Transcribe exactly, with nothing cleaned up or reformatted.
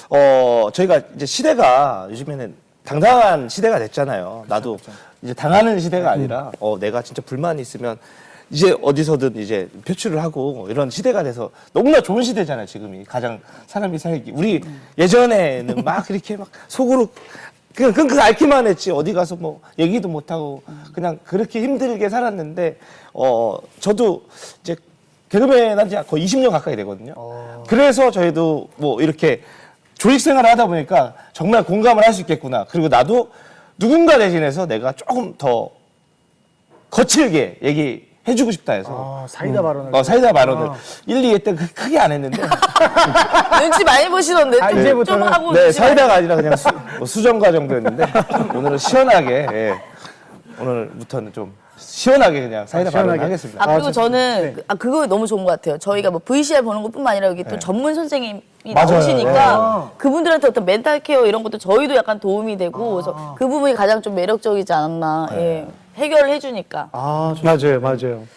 어, 저희가 이제 시대가 요즘에는 당당한 시대가 됐잖아요. 나도 그렇죠. 이제 당하는 시대가 아니라, 어, 내가 진짜 불만이 있으면 이제 어디서든 이제 표출을 하고 이런 시대가 돼서 너무나 좋은 시대잖아요, 지금이. 가장 사람이 살기. 우리 예전에는 막 이렇게 막 속으로 그냥 끙끙 앓기만 했지. 어디 가서 뭐 얘기도 못하고 그냥 그렇게 힘들게 살았는데, 어, 저도 이제 개그맨 한 지 거의 이십 년 가까이 되거든요. 그래서 저희도 뭐 이렇게 조직 생활을 하다 보니까 정말 공감을 할 수 있겠구나. 그리고 나도 누군가 대신해서 내가 조금 더 거칠게 얘기해주고 싶다 해서. 아, 사이다 발언을. 어, 사이다 발언을 아. 일, 이 회 때 크- 크게 안 했는데. 눈치 많이 보시던데 아, 좀, 좀 이제부터는- 하고 네, 눈치 많이- 사이다가 아니라 그냥 수, 뭐 수정과 정도였는데 오늘은 시원하게, 예. 오늘부터는 좀 시원하게 그냥 사이다 시원하게. 발언 하겠습니다. 아 그리고 아, 저는 네. 그- 아 그거 너무 좋은 것 같아요. 저희가 뭐 브이씨알 보는 것뿐만 아니라 여기 또 네. 전문 선생님이 맞아요. 나오시니까 네. 그분들한테 어떤 멘탈 케어 이런 것도 저희도 약간 도움이 되고 그래서 그 부분이 가장 좀 매력적이지 않았나. 예. 해결을 해주니까. 아, 맞아요, 맞아요.